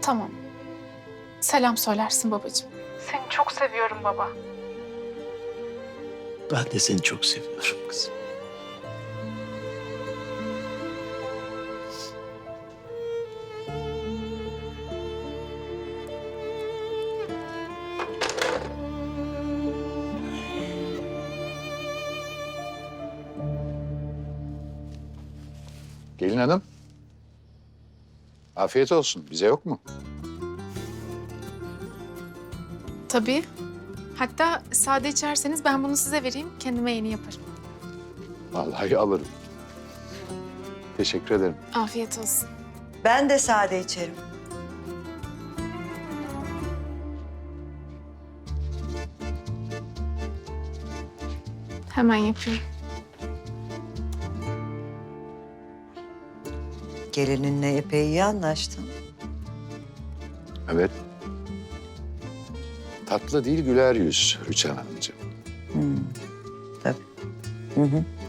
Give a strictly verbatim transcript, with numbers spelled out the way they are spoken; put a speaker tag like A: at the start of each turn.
A: Tamam. Selam söylersin babacığım. Seni çok seviyorum baba.
B: Ben de seni çok seviyorum kızım.
C: Gelin hanım. Afiyet olsun. Bize yok mu?
A: Tabii. Hatta sade içerseniz ben bunu size vereyim. Kendime yeni yaparım.
C: Vallahi alırım. Teşekkür ederim.
A: Afiyet olsun.
D: Ben de sade içerim.
A: Hemen yapıyorum.
D: Gelininle epey iyi anlaştın.
C: Evet. Tatlı değil güler yüz Rüçhan Hanımcığım.
D: Tabii. Hı hı.